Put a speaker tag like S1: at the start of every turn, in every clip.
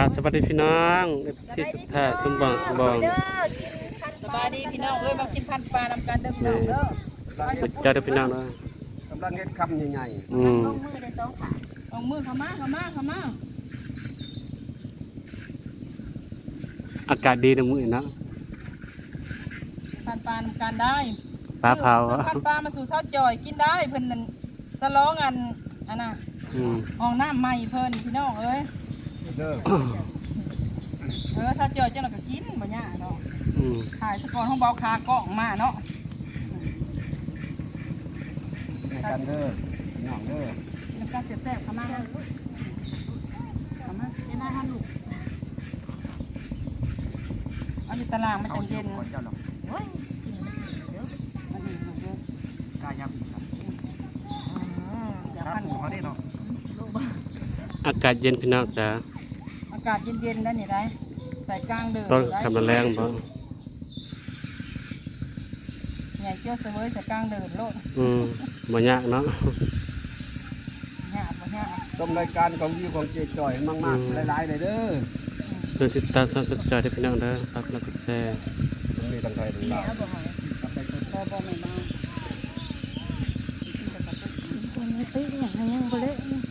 S1: ราบสวัสดีพี่น้องที่สุดท้ายตุ้มบองบอง
S2: สบายดีพี่น้องมากินพันปลานำกันเด้อพี่น้องเด้อ
S1: สุดยอดพี่น้องนะ
S3: กำลังเฮ็ดคำใหญ่
S2: เอามือเข้ามา
S1: อากาศดีนะมื้อนี้นะ
S2: พันปลานำกันได้
S1: ปลาเผา
S2: พันปลามาสู่เช้าจ่อยกินได้เพิ่นนั่นสลองอันน่ะห้องน้ำใหม่เพิ่นพี่น้องเอ้ย
S3: ๆเด้อ
S2: เช้าจ่อยจังได๋ก็กินบ่ยากเนาะ ขายสกอนห้องเบาคากล้องมาเนาะ
S3: ในกันเด้อน้องเด้อ
S2: น้ำกันแซ่บๆเข้ามาเด้อเข้ามาเย็นหน้าห้าลูกเอาอยู่ตารางมันจังเย็น
S3: เจ้าหรอก
S2: อันนี้เด้อก
S3: ายับ
S2: อย่า
S3: ครับ
S2: พัน
S3: ผูเขาได้เนาะ
S1: อากาศเย็นพี่น้องจ้า
S2: อากาศเย็นๆได้นี่ได้ใส่กลางเดือด
S1: ต้นกำลังแรงบ่
S2: ใหญ่เกี้ยวเสวยใส่กลางเดือดโลด
S1: บ่ยากเนาะ
S2: หยาบบ่หยาบ
S3: ชมรายการของวิวของเจ๊จ่อยมากๆหลายๆเลยเด้อ
S1: เพื่อติดตามสุดจอดพี่น้องเด้อฝากแล้วก็แชร์
S3: มันมีทั้งไทยทั้งลาว
S2: เอาบ่หอย
S3: ครับไปชม
S2: บ่ไม่มา
S4: คนไม่ปิ้งอย่างยังบ่เละ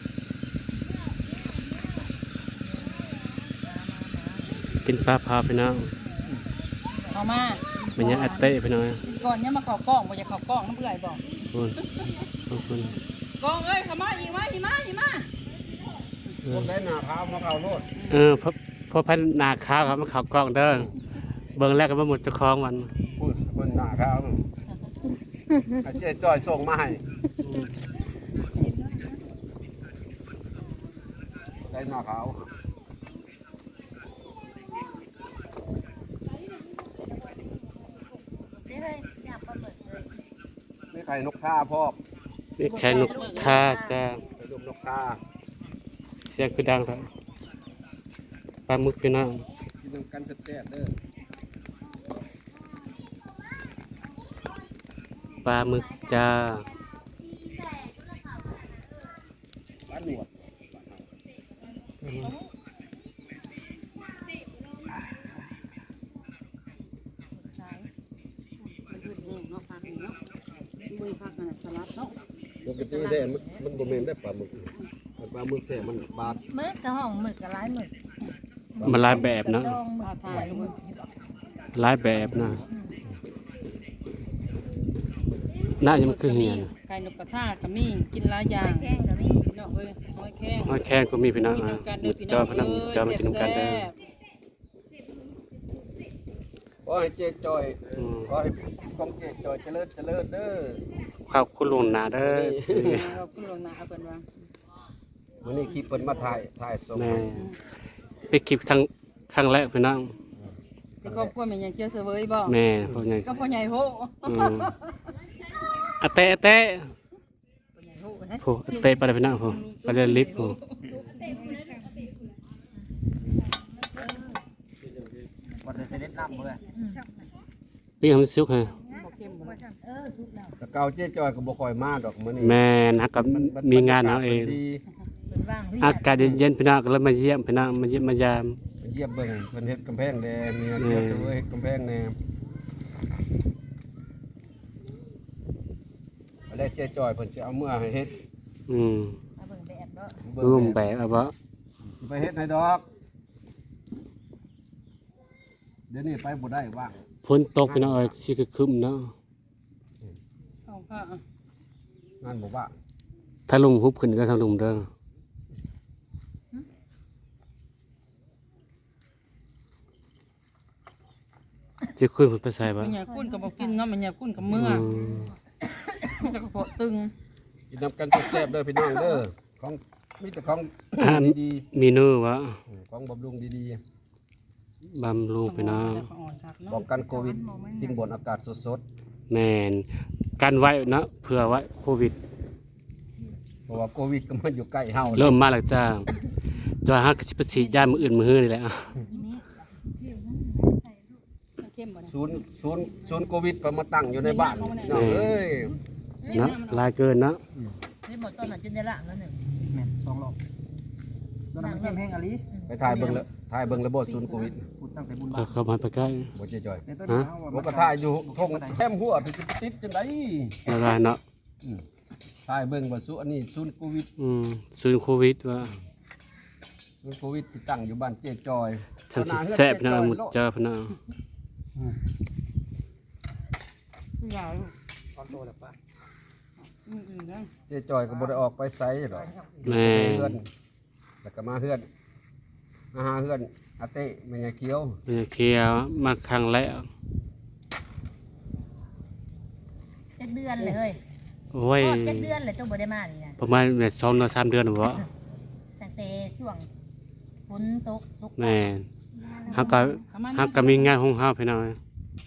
S1: กินปลาเผาพี่น้อง
S2: เอามา
S1: มันยังอัดเต้พี่น้อง
S2: ก่อนเนี่ยมาเข้ากล้องบ่อยากเข้ากล้องน้ำเบื่อยบ่
S1: ขอบคุณ
S2: กล้องเอ้ยเข้ามาอีกมา
S3: พวกได้หน้าขาวมาเขาโลด
S1: พอพันนาข้าวครับมาข่าวกล้องเด้อเบิ่งแรกก็มาหมดเจ้าของมัน
S3: พูดบนหน้าขาวให้เจ๊จ่อยส่งมาให้ได้หน้าขาวไม่ไข่นกท่าพ่อ
S1: นี่แค่นกท่าจ้า
S3: ใส่ลูกนกท่า
S1: เสียงคือดังครับปลาหมึกพี่น้อง
S3: กินน้ำกันแซ่บๆเด้อ
S1: ปลาหมึกจ้า
S3: ร้านหนวด ปกติเด้มันบ่แม่นได้ปลาหมึกปลาหมึกแท้มันบาด
S4: มึกกระห้องมึกกระไรมึก
S1: มันหลายแบบนะ
S4: ดองมึก
S2: เอาถ่ายมือ
S1: หลายแบบนะน่าจะมันคือเหียน
S2: ไก่นกกระทาก็มีกินหลายอย่าง
S4: แข้งกับนี่
S2: พี่น้องเอ้ยหอยแข้ง
S1: มาแข้งก็มีพี่น้อง
S2: กิน
S1: อ่ะ
S2: น้ำกัน
S1: ห
S2: เด้
S1: มึ
S2: อก พี่
S1: จ
S2: น้
S1: อ
S2: อง
S1: พนังจอมากินน้ำกันเด้อ
S3: ขอให้เจ๊จอยขอให้ของเจ๊จอยเจริญเจริญเด้อ
S1: ขอบคุณหลวงนาเด้อ
S2: เราขึ้นลงนาเอาเพิ่นว่า
S3: มื้อนี้คลิปเพิ่นมาถ่ายส่ง
S1: แม่ไปคลิปครั้งแรกพี่น้อง
S2: ที่ครอบครัวแม่ยังเกี่ยวเสวยบ่
S1: แม่พ่อใหญ่
S2: ก็พ่อใหญ่โห
S1: อะเต้อะเต้
S2: พ่อใหญ่โหนะ
S1: โหอะเต้ไปเลยพี่น้องโหไปเลยลิฟต์โห
S3: บ่ได้เสด็จน้ำเด้อ
S1: ปิ้งให้มันสุกให้
S2: บ่เข้มบ่นะ
S3: แต่เก่าเจ๊จอยก็บ่ค่อยมาดอกมื้อนี้
S1: แม่นะกับมีงานเอาเอง
S3: ดี
S4: เป็นว่างเรีย
S1: อากาศเย็นๆพี่น้องก็เลยมาเยี่ยมพี่น้องมาเยี่ยมมายาม
S3: ไปเยี่ยมเบิ่งเพิ่นเฮ็ดกำแพงแดงเนี่ยเดี๋ยวจะเฮ็ดกำแพงแนมแล้วเจ๊จอยเพิ่นสิเอาเมื่อให้เฮ็ด
S4: มาเบิ่งแบบเนาะ
S1: ร่วมแบบเอาบ่
S3: สิไปเฮ็ดให้ดอก เดี๋ยวนี้ไปบ่ได้ว่าง
S1: ฝนตกพี่น้องเอ้ยสิคือครึ้มเนาะ
S2: เอาผ้าง
S3: านบ่ว่าง
S1: ถ้าลงฮุบขึ้นก็ทางลงเด้อสิขึ้นเพิ่นไปใส่บ่
S2: แม่ใหญ่คุ้นก็บ่กินเนาะแม่ใหญ่คุ้นกับเมื่อมันจะกระเพาะตึง
S3: กินน้ำกันแซ่บๆเด้อพี่น้องเด้อของมีแต่ของดี
S1: มีนูวะ
S3: ๆของบำรุงดี
S1: บำรุงพี่น้อง
S3: ๆป้องกันโควิดกินบนอากาศสด
S1: แม่นกันไว้เนาะเผื่อไว้โควิด
S3: ๆเพราะว่าโควิดก็มันอยู่ใกล้เฮา
S1: เริ่มมาแล้วจ้าจอยฮักสิไปฉีดยามื้ออื่นมื้อฮื้อนี่แหละ
S2: เข้มบ่นะ
S3: ศูนย์โควิดก็มาตั้งอยู่ในบ้านพี่น้องเอ้ย
S1: เนาะลายเกินเนาะ
S4: นี่หมดต้นน่ะจนได้ละแล้วหนึ่ง
S3: แม่น2รอบ
S5: ตัวนั้นมันเข้มแห้งอะลิ
S3: ไปถ่ายเบิ่งแล้วถ่ายเบิ่งระบบศูนย์โควิด
S5: พูดตั้งแต่บุญ
S1: เอาเข้ามาไปใกล้
S3: บ่เจ๊จอย
S5: แต่ตัวนี้เอา
S3: บ่ก็ถ่ายอยู่ทงแคมหัวที่ติดจังได๋
S1: ละลายเนาะ
S3: ถ่ายเบิ่งว่าสุอันนี้ศูนย์โควิด
S1: ศูนย์โควิดว่า
S3: ศูนย์โควิดที่ตั้งอยู่บ้านเจ๊จอย
S1: ทางสิแซ่บนะหมดเจอพะนะ
S2: ยาว
S5: ตอนโตแล้วป่ะ
S2: นะ
S3: เจ๊จอยก็บ่ได้ออกไปไสหรอก
S1: แม่
S3: เฮือนแล้วก็มาเฮือนมาหาเฮือนอาเต้แม่ยายเขียว
S1: มันเคลียร์มาครั้งแล้ว
S4: 7 เดือนเลยเฮ้ย
S1: โอ้ย
S4: พอด7 เดือนเลยตัวบ่ได้มานี่นะ
S1: ประมาณเนี่ย2 เดือน 3 เดือนบ่
S4: ตั้งแต่ช่วงฝนตก
S1: แม่ฮักก็มีงานของเฮาพี่น้อง
S2: เปิด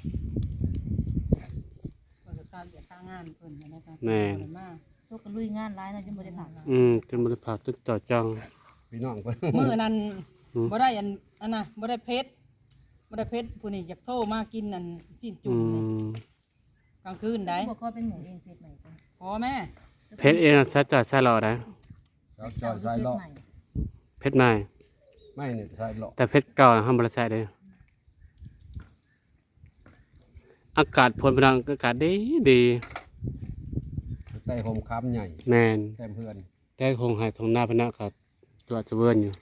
S2: การเสียค่างานเพิ่นนะครับ
S1: แม่
S2: มา
S4: ตกก็ลุยงานหลายนะจนบ่ได้พัก
S1: จนบ่ได้พักตึกต่อจัง
S3: พี่น้องเพิ่น
S2: มื้อนั้น
S1: อืม
S2: บ่ได้อันน่ะบ่ได้เพชรผู้นี้อยากโทรมากินนั่นจิ้นจุ่มนี่กลางคืนได้
S4: บ่ขอเป็นหมูเองเฮ็ดใหม่จ้ะ
S2: พอแม่
S1: เพชรเองซะจ่อยซะรอได้
S3: เจ้าจอยสายเลาะ
S1: เพชรใหม่
S3: ไม่เนี่ยสายเลาะ
S1: แต่เพชรเก่าห้ามบ่ได้ใส่เด้ออากาศพลพลังอากาศดี
S3: ใต้ห่มค้ำใหญ่
S1: แม่น
S3: แคมเฮือน
S1: แต่คงให้ของหน้าพนักครับตัวจะเวิร์นอยู่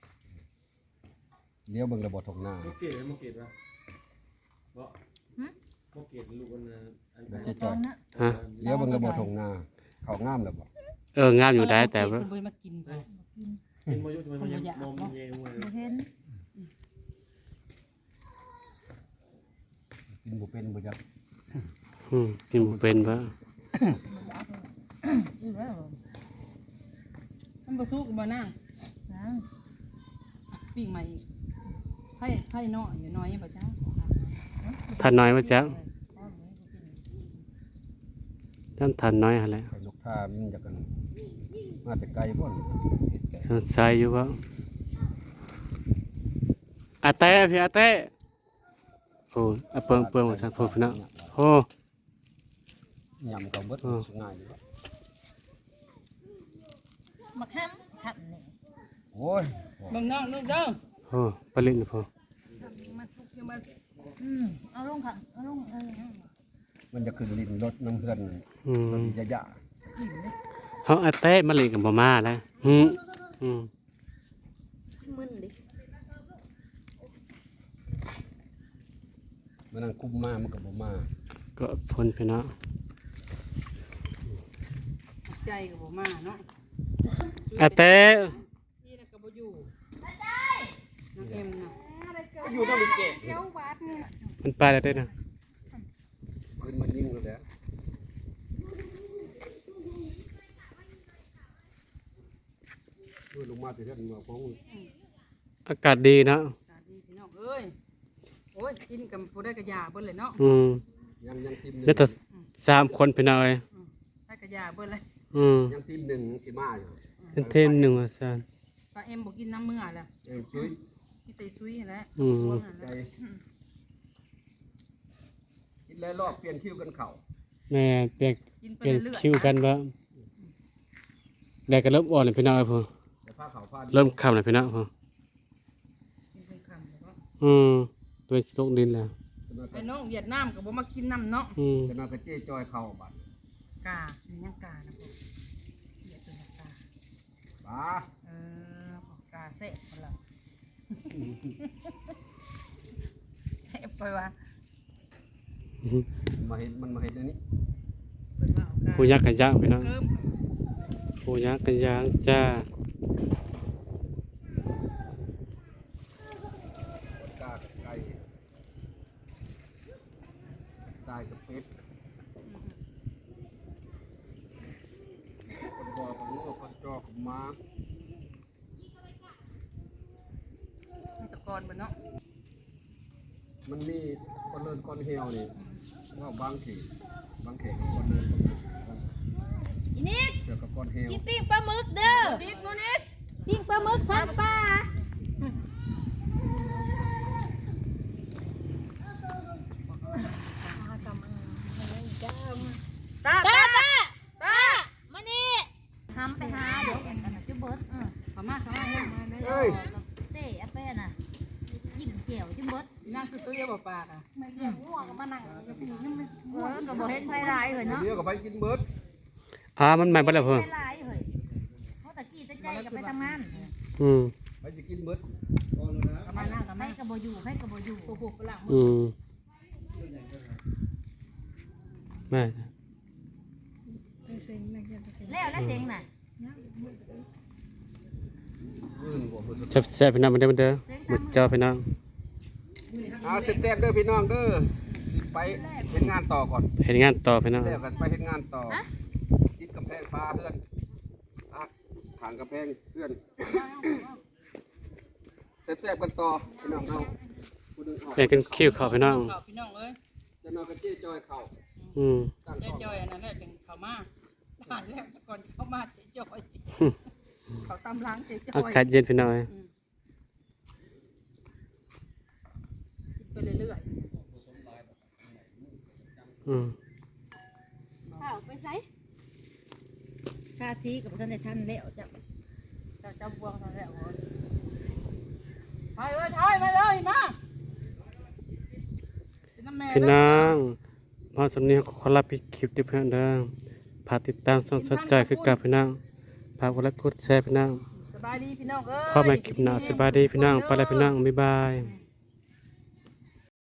S3: เลี้ยวเบิ่งระบบทงหน้า
S6: โมเกตโมเกตวะบ่โมเกตลูกอัน
S3: เดี๋ยวเจ๊
S4: ต
S3: จ
S4: อ
S3: อน ย
S4: น่ะ
S1: ฮะ
S3: เลี้ยวเบิ่งระบบทงหน้าเขางามแล้วบ่
S1: งามอยู่ได้แต่ว่า
S2: เพิ่นบ่มากินไป
S6: กินมายุทำไมมันยังมองมันยังมา
S4: บ่เห็น
S3: กินบ่เป็นบ่จัก
S1: กินบ่เป็นปะ
S4: อยู่แล้ว
S2: มันบ่สุกบ่นาง
S4: นะ
S2: ปิ้งใหม่อีกไผ่น้อยอยู่น้อยบ่จ้า
S1: ทันน้อยมาจ้ะท่านทันน้อยอะไร
S3: ไอ้นกท่ามันอยากกันมาแต่ไกลบ่เฮ็ดแต่
S1: ใส่อยู่ปะอาเต้พี่อาเต้โอ้เปิงหมดทั้งพวกพี่น้องโอ้
S3: ยำก็เบิดสิง่ายอยู่
S4: มาค้ำทับนี่
S3: โอ้ย
S2: เบิ่งน้องลูกเด้อ
S1: โอ้ปลินพอ
S4: เอาลงค่ะเอาลง
S3: มันจะขึ้นลิ้นรถน้ำเพื่อนรถยะ
S1: เขาอาเต้มาเล่นกับบ่มาแล้ว
S4: มึนดิ
S3: มันนั่งคุ้มมามันก็บ่มา
S1: ก็พ้นพี่น้อง
S2: ใจก็บ่มาเนาะ
S1: อาเต้
S2: นี่น่ะก็บ่อยู่น้องเอ็มน่ะ
S3: อยู่นำเจ๊
S1: มันไปแล้วเด้อนะ
S3: ขึ้นมายิงแล้วแหละลงมาแต่เฮือนมาของ
S1: อากาศดีเนาะ
S2: สาดีพี่น้องเอ้ยโอ้ยกินกับผู้ได้กระยาเบิ่นเลยเนาะ
S3: ยังทีมนึง
S1: นี่แต่3 คนพี่น้องเอ้ย
S2: ได้กระยาเบิ่นเลย
S3: ยังทีมหนึ่งสิมาอยู่
S1: เป็นทีม1ว่าซั่น
S2: ตาเอ็มบ่กินน้ำเมื่อแล้ว
S3: เอ็มช่วย
S2: ที่ไตซุยนั่นแหละ
S3: ใจกินแล้วรอบเปลี่ยนคิวกันเข่า
S1: แม่เปียก
S2: กินไป
S1: เปลี่ยน
S2: เรื่อยๆ
S1: คิวกันว่าแดดก็เริ่มอ่อนเลยพี่น้องเอ้ยพอ
S3: แต่ผ้าขาวผ้า
S1: เริ่มค่ำเลยพี่น้องพอ
S2: กินเป็นคำแล้วก็
S1: ตัวตกดินแล้ว
S2: ไอ้น้องเวียดนามก็บ่มากินน้ำเนาะ
S3: จะนอนกระเจ๊จอยเข่าบัด
S2: กามีหยังกานะพ่อเวียดเป็นกา
S3: ป้าก
S2: าเสะพุ่นล่ะเสะไปว่า
S3: มันมาเห็นอันนี้
S2: เพิ่นว่าเอากา
S1: ผู้ยักษ์กันยักษ์พี่น้อง
S2: เกิม
S1: ผู้ยักษ์กันยักษ์จ้า
S3: กากับไก่ตายกับเป็ดคนบอกกับงูคนจอกับม้า
S2: มีตะกอนเบิ่นเนาะ
S3: มันมีคนเลินคนเหี่ยวนี่ว่าบางเขตกับคนเลิน
S4: อีนิด
S3: เกี่ยวกับคนเหี่ยว
S4: กินปิ้งปลาหมึกเด้อ
S2: นิดนู้นนิด
S4: ปิ้งปลาหมึกพันปลา
S2: ตา
S4: ตา
S2: ตา
S4: ตามานี่ทำไปหาเดี๋ยวอันนั้นจะเบิด
S2: เข้ามาเข้ามาเนี่ยมาเลย
S4: เกี่ยวจิ้มเบิด
S2: นั่งคือตัวเดียวบ่ปากอ่ะ
S4: ก็บ่เห็นไผหลายเลยเนาะ
S3: เดี๋ยวก็ไปกินเบิด
S1: มันใหม่บ่แล้วเพิ่น
S4: ไผหลายเลยเพราะตะกี้ตะใจก็ไปทำงาน
S3: ไปจะกินเบิด
S2: ก็มานั่งก็
S4: ไผ
S2: มา
S4: ก็บ่อยู่ไผก็บ่อยู่
S2: ปุ๊บๆฝรั่ง
S1: แม่
S4: แล้วแล้วเสียงน่ะ
S3: อื่นบ่เพิ่น
S1: แซ่บๆพี่น้องมันเด้อหมดจอพี่น้อง
S3: เอาแซ่บๆเด้อพี่น้องเด้อสิไปเฮ็ดงานต่อก่อน
S1: เฮ็ดงานต่อพี่น้อง
S3: แล้วกันไปเฮ็ดงานต่อติดกำแพงฟ้าเพื่อนขางกำแพงเพื่อนแซ่บๆกันต่อพี่น้องเอาผู้หนึงออก
S1: เป็นกันคิวเข้าพี่น้อง
S2: เข้าพี่น้องเอ้ย
S3: จะนอนกับเจ๊จอยเข้า ตั้ง
S2: เจ๊
S3: กล้อง
S2: จอยอันนั้นแหละเป็นเข้ามาผ่านแล้วสักก่อนเข้ามาเจ๊จอยเขาตำล้างเจ๊จอย
S1: อากาศเย็นพี่น้อง
S2: ไปเรื่อย
S4: ข้าวไปไสค่าซีก็บ่ทันได้ทันแล้วจ้ะ
S2: ๆเจ้าบวงนั่นแหละโอ้ยไปเอ้ยถอยมาเลยมาเป็นน้ำแม่
S1: พี่
S2: เด้อ
S1: น้องมาสำเนียงขอรับผิดคลิปดิเพื่อนเด้อพาติดตามส่งสนใจคือกับพี่น้องพากกดไลค์กดแชร์พี่น้อง
S2: สบายดีพี่น้องเอ้ย
S1: พ่อแม่คลิปหน้าสบายดีพี่น้องไปแล้วพี่น้องบ๊ายบาย